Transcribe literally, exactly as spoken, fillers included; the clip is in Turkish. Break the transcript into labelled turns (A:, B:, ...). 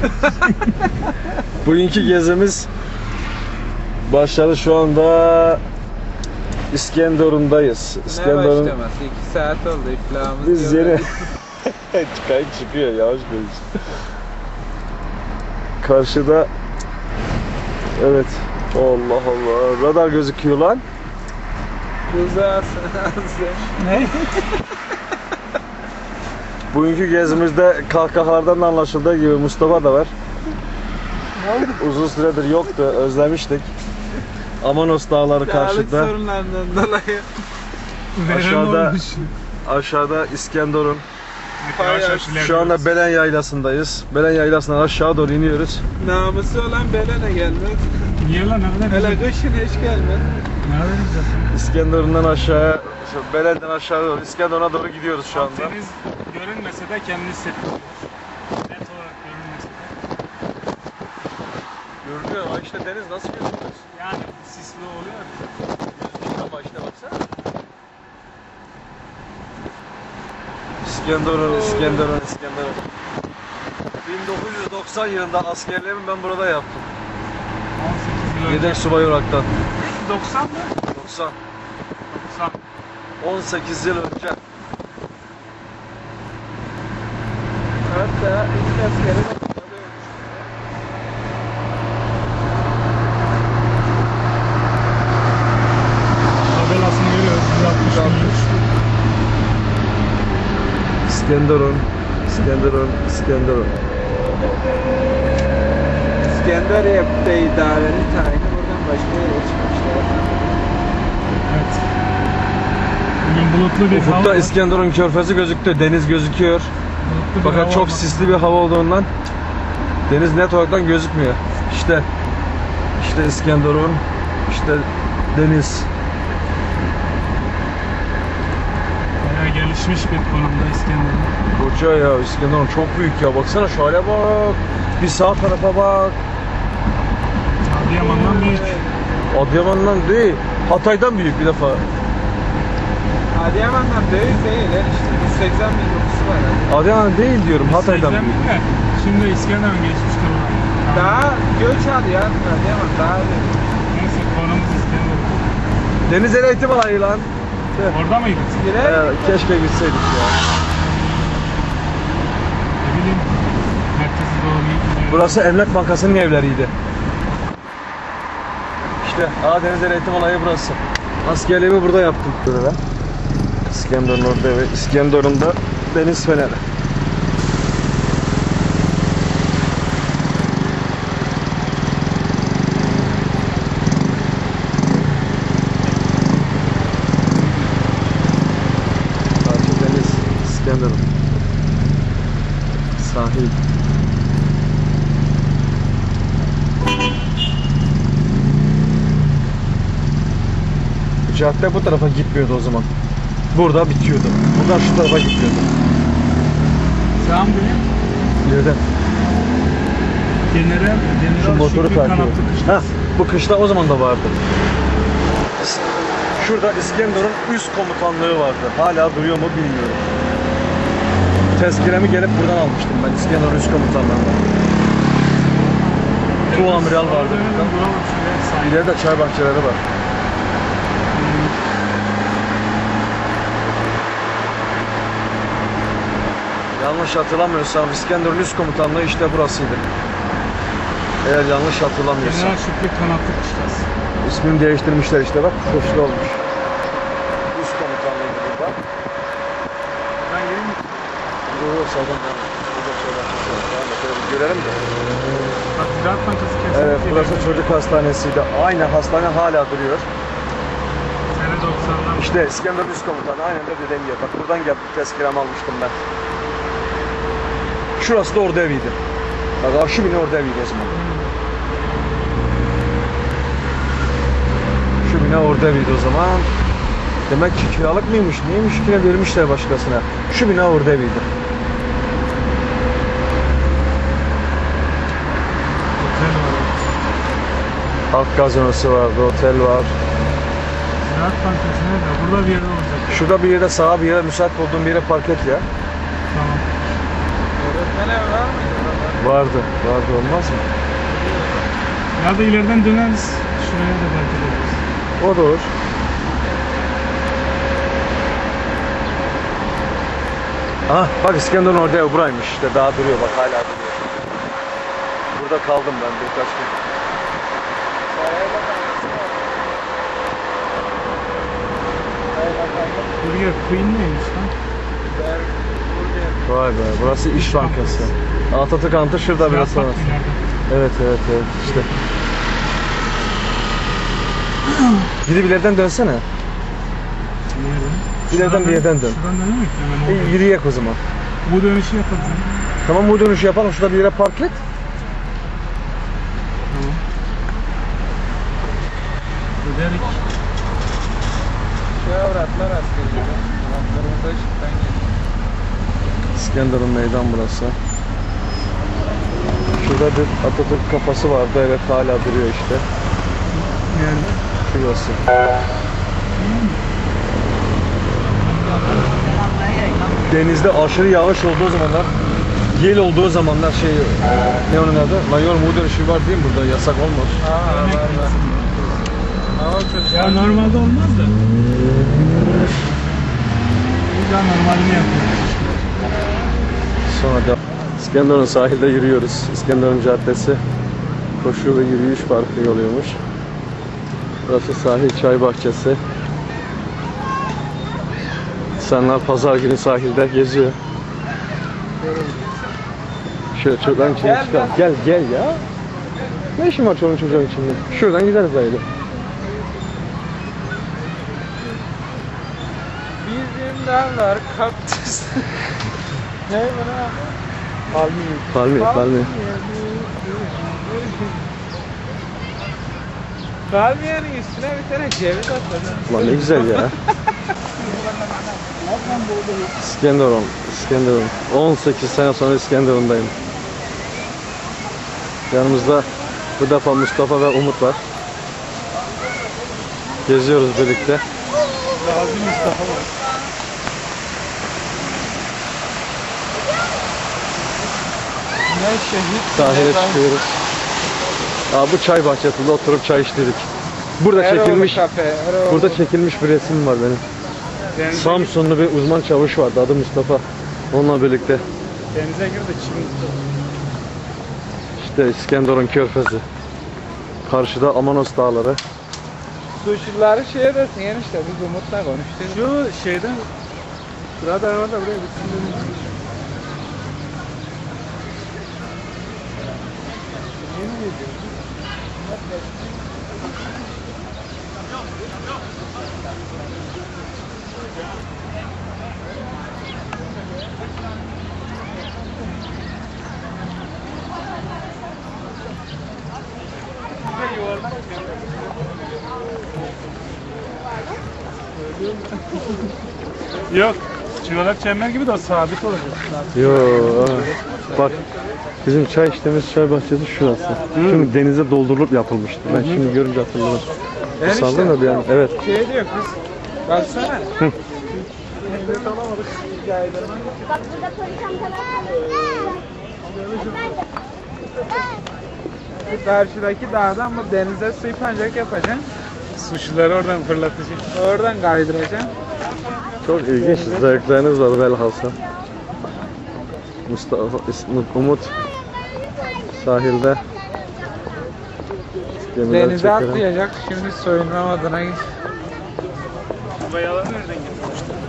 A: Bugünkü gezimiz başladı, şu anda İskenderun'dayız. İskenderun...
B: Ne başlaması? iki saat oldu iflahımız.
A: Biz yeni... Kayıt çıkıyor, yavaş konuş. Karşıda... Evet. Allah Allah. Radar gözüküyor lan.
B: Rızasın.
A: Ne? Bugünkü gezimizde kahkahalardan da anlaşıldığı gibi Mustafa da var. Uzun süredir yoktu, özlemiştik. Amanos dağları karşıda.
B: Sağlık sorunlarından dolayı.
A: Aşağıda, aşağıda İskenderun. Şu anda Belen Yaylası'ndayız. Belen Yaylası'ndan aşağı doğru iniyoruz.
B: Namusu olan Belen'e gelmez.
C: Niye lan? Ne kadar
B: Hele
C: güzel.
B: kışın hiç gelmez.
C: Ne kadar güzel.
A: İskenderun'dan aşağıya, şu Belen'den aşağı doğru, İskenderun'a doğru gidiyoruz şu anda.
C: Deniz görünmese de kendini hissettiriyor. Net olarak görünmese de.
A: Görünüyor ama işte deniz nasıl gözüküyor?
C: Yani sisli oluyor.
A: Ama işte baksana. İskenderun, İskenderun, İskenderun. bin dokuz yüz doksan yılında askerliğimi ben burada yaptım.
C: on sekiz yıl önce.
A: Yedek subay olaraktan.
C: doksan mı?
A: doksan.
C: doksan.
A: on sekiz yıl önce.
B: Hatta ilk askeri
C: Tabelasını görüyoruz. yüz altmış milyon.
A: İskenderun, İskenderun, İskenderun.
B: İskenderiye'de idareli tayini buradan başka yere çıkmışlar.
C: Evet. Bugün bulutlu bir hava
A: Ufukta
C: var.
A: İskenderun körfezi gözüktü, deniz gözüküyor.
C: Bulutlu bir
A: Fakat
C: hava
A: çok
C: var.
A: sisli bir hava olduğundan deniz net olarak gözükmüyor. İşte, işte İskenderun, işte deniz.
C: Bayağı gelişmiş bir konumda İskenderun.
A: Koca ya, İskenderun çok büyük ya, baksana şöyle bak. Bir sağ tarafa bak.
C: Adıyaman'dan büyük.
A: Adıyaman'dan değil, Hatay'dan büyük bir defa.
B: Adıyaman'dan büyük değil her işte. yüz seksen bin nüfusu var. Hadi.
A: Adıyaman değil diyorum, Hatay'dan
C: seksen
A: büyük.
C: bin de. Şimdi İskenderun geçmiştir ona.
B: Daha göç alıyor Adıyaman daha büyük.
C: Neyse konumuz İskenderun.
A: Deniz eğitim alayı lan.
C: Orada mıydı?
B: Girer
A: Ee, keşke gitseydik ya.
C: Ne bileyim. Merkezi doğru gidiyor.
A: Burası Emlak Bankası'nın evleriydi. İşte Aa Deniz Eğitim Alayı burası. Askerliğimi burada yaptım. Böyle. İskenderun orada ve İskenderun'da deniz feneri. Karşı deniz, İskenderun. Sahil. Cadde bu tarafa gitmiyordu o zaman. Burada bitiyordu. Buradan şu tarafa gidiyordu.
C: Sağ mı dönüyor?
A: İleriden.
C: Genere,
A: Şu
C: General
A: motoru
C: Şükrü
A: takip
C: Kanatlı
A: ediyor.
C: Kışla.
A: Ha, bu kışla o zaman da vardı. Şurada İskenderun üst komutanlığı vardı. Hala duruyor mu bilmiyorum. Tezkiremi gelip buradan almıştım ben, İskenderun üst komutanlığından. Tu amiral vardı burada. İleride çay bahçeleri var. Yanlış hatırlamıyorsam İskenderun üst komutanlığı işte burasıydı. Eğer yanlış hatırlamıyorsam.
C: General Şükrü Kanatlı Kışlası.
A: İsmini değiştirmişler işte bak. Koşlu olmuş. Üst komutanlığıydı burada.
C: Ben gelin mi?
A: Yok sağdan devam et. Burada çay bahçesi var. Devam et. Şöyle bir görelim de.
C: Bak Ziraat Bankası kesinlikle.
A: Evet, burası çocuk hastanesiydi. Aynı hastane hala duruyor.
C: Sene doksanlar.
A: İşte İskenderun üst komutanı aynen de dediğim gibi. Bak buradan gelip tezkiremi almıştım ben. Şurası da orada eviydi. Bak şu bina orada eviydi o zaman. Şu bina orada eviydi o zaman. Demek ki kiralık mıymış, neymiş ki vermişler başkasına. Şu bina orada eviydi.
C: Otel var.
A: Halk gazinosu vardı, otel var.
C: Ziraat Bankası nerede? Burada bir yerde olacak.
A: Şurada bir yere, sağa bir yere, müsait olduğum bir yere park et ya.
C: Tamam.
B: Öğretmen evi var mıydı?
A: Vardı. Vardı olmaz mı?
C: Ya da ileriden döneriz. Şuraya da belki döneriz.
A: O da olur. Ah bak İskenderun orada ev buraymış işte daha duruyor bak hala duruyor. Burada kaldım ben birkaç gün.
C: Buraya Queen neymiş lan?
A: Vay be burası İş Bankası. Atatürk Antı şurada biraz sonra.
C: Bak ileride.
A: Evet evet evet işte. Gidip ileriden dönsene.
C: Nerede?
A: İleriden bir yerden dön.
C: Şuradan dönemek mi? Hemen
A: E,
C: orada.
A: yürüyek o zaman.
C: Bu dönüşü yapalım.
A: Tamam bu dönüşü yapalım şurada bir yere park et.
C: Tamam. Öderik.
B: Şu avratlar askeri. Avratlarımıza ışıktan geliyor.
A: İskenderun meydan burası. Şurada bir Atatürk kafası vardı evet hala duruyor işte.
C: Nerede?
A: Şurası. Denizde aşırı yağış olduğu zamanlar, yel olduğu zamanlar şey, ne onun adı? Mayor mu dönüşü var değil mi burada? Yasak olmaz.
B: Aa var var. Ama çok
C: Ya normalde olmaz da. Biz daha normalini yapıyoruz.
A: Sonra da İskenderun sahilde yürüyoruz. İskenderun Caddesi koşu ve yürüyüş parkı oluyormuş. Burası sahil çay bahçesi. İnsanlar pazar günü sahilde geziyor. Şöyle çocukların içine
B: Gel,
A: çıkalım. Gel gel ya. Ne işin var çoluğun çocuğun içinde? Şuradan gideriz böyle.
B: bizim dağlar kaktüs. Ne buna? Palmiye.
A: Palmiye, palmiye.
B: Palmiyenin üstüne bir tane ceviz atladı.
A: Ulan ne güzel ya. İskenderun, İskenderun. on sekiz sene sonra İskenderun'dayım. Yanımızda bu defa Mustafa ve Umut var. Geziyoruz birlikte.
C: Lazım Mustafa var.
B: Ne şehit.
A: Sahile
B: ne ben-
A: çıkıyoruz. Aa, bu çay bahçesinde oturup çay içtik. Burada
B: Eroğlu
A: çekilmiş,
B: kafe, Eroğlu.
A: burada çekilmiş bir resim var benim.
C: Denize,
A: Samsunlu bir uzman çavuş vardı adı Mustafa. Onunla birlikte
C: denize girdi çim.
A: işte İskenderun Körfezi. Karşıda Amanos Dağları.
B: Suşileri şeye desin enişte biz Umut'la konuştuk.
C: Şu şeyden Burada var da buraya bitsin dedim. Yok. Çikolak çember gibi de sabit olacak.
A: Yo, aa. Bak bizim çay içtiğimiz çay bahçesi şurası. Çünkü denize doldurulup yapılmıştı. Ben şimdi görünce hatırladım.
B: Enişte.
A: Sandın da bir an. Evet.
B: Şey diyor kız. Baksana.
D: Bak burada polis amcalar var.
B: Bu karşıdaki dağdan bu denize su pancak yapacaksın.
C: Suçluları oradan fırlatacak.
B: Oradan kaydıracaksın.
A: Çok ilginç zevkleriniz var velhasıl. Mustafa, İsmut, Umut sahilde gemiler
B: Denize
A: çekerek.
B: atlayacak. Şimdi soyunma adına git.
C: Bayağı nereden getirmişler?